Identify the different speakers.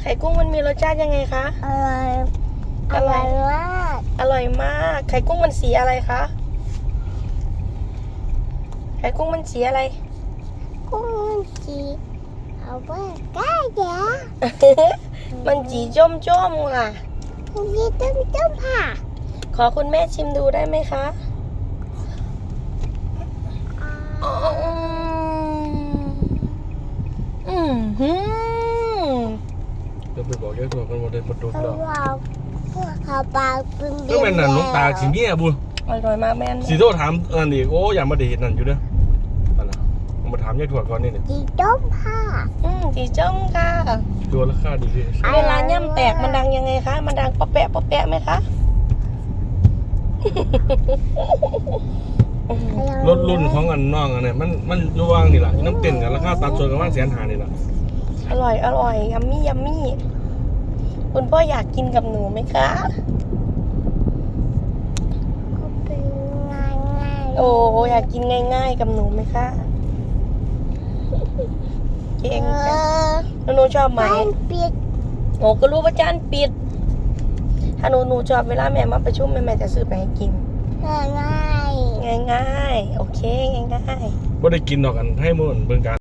Speaker 1: ข่กุ้งมันมีรสชาติยังไงคะ
Speaker 2: อร่อยอร่อยมาก
Speaker 1: อร่อยมากไข่กุ้งมันสีอะไรคะไข่กุ้งมันสีอะไร
Speaker 2: กุ้งจีเอาไว้ใกล้เดี๋ยว
Speaker 1: มันสีจ้มๆค่ะ
Speaker 2: นี่ต้มผ่า
Speaker 1: ขอคุณแม่ชิมดูได้ไหมคะหืม
Speaker 3: จะไปบอกแกตัวกันว่าได้ประตู
Speaker 2: เขา
Speaker 3: แล้ว
Speaker 2: บอกเขาปากเป็น
Speaker 3: ก็เป็นนั่นน้องตาสิเงี้ยบุญ
Speaker 1: อร่อยมากแม่น
Speaker 3: สีโตถามนั่นอีกโอ้อย่ามาได้เห็นนั่นอยู่เด้อนั่นน่ะผมมาถามยายถั่วก่อนนี่เนี่ย
Speaker 2: จีต้มผ่า
Speaker 1: สีจ้มค่ะ
Speaker 3: ตัวราคาดีเลย
Speaker 1: เวลาย่ำแตกมันดังยังไงคะ มันดังป๊อปแปะป๊อปแปะไหมคะ
Speaker 3: รถรุ่นของอันน้องอันเนี่ยมันระว่างนี่แหละน้ำเต้นกันราคาตัดส่วนกันว่า150,000นี่แหละ
Speaker 1: อร่อยยัมมี่คุณพ่ออยากกินกับหนูไหมคะ
Speaker 2: ก็เป็นง่าย
Speaker 1: โอ้อยากกินง่ายๆกับหนูไหมคะเก่งจังแล้วหนูชอบไหม
Speaker 2: บ้านปิด
Speaker 1: โอ้ก็รู้ว่าจานปิด ถ้าหนูชอบเวลาแม่มาประชุมแม่จะซื้อไปให้กิน
Speaker 2: ง่าย
Speaker 1: ง่ายๆ โอเคง่ายๆ
Speaker 3: บ่ได้กินดอกอันให้มื้อเบิ่งกัน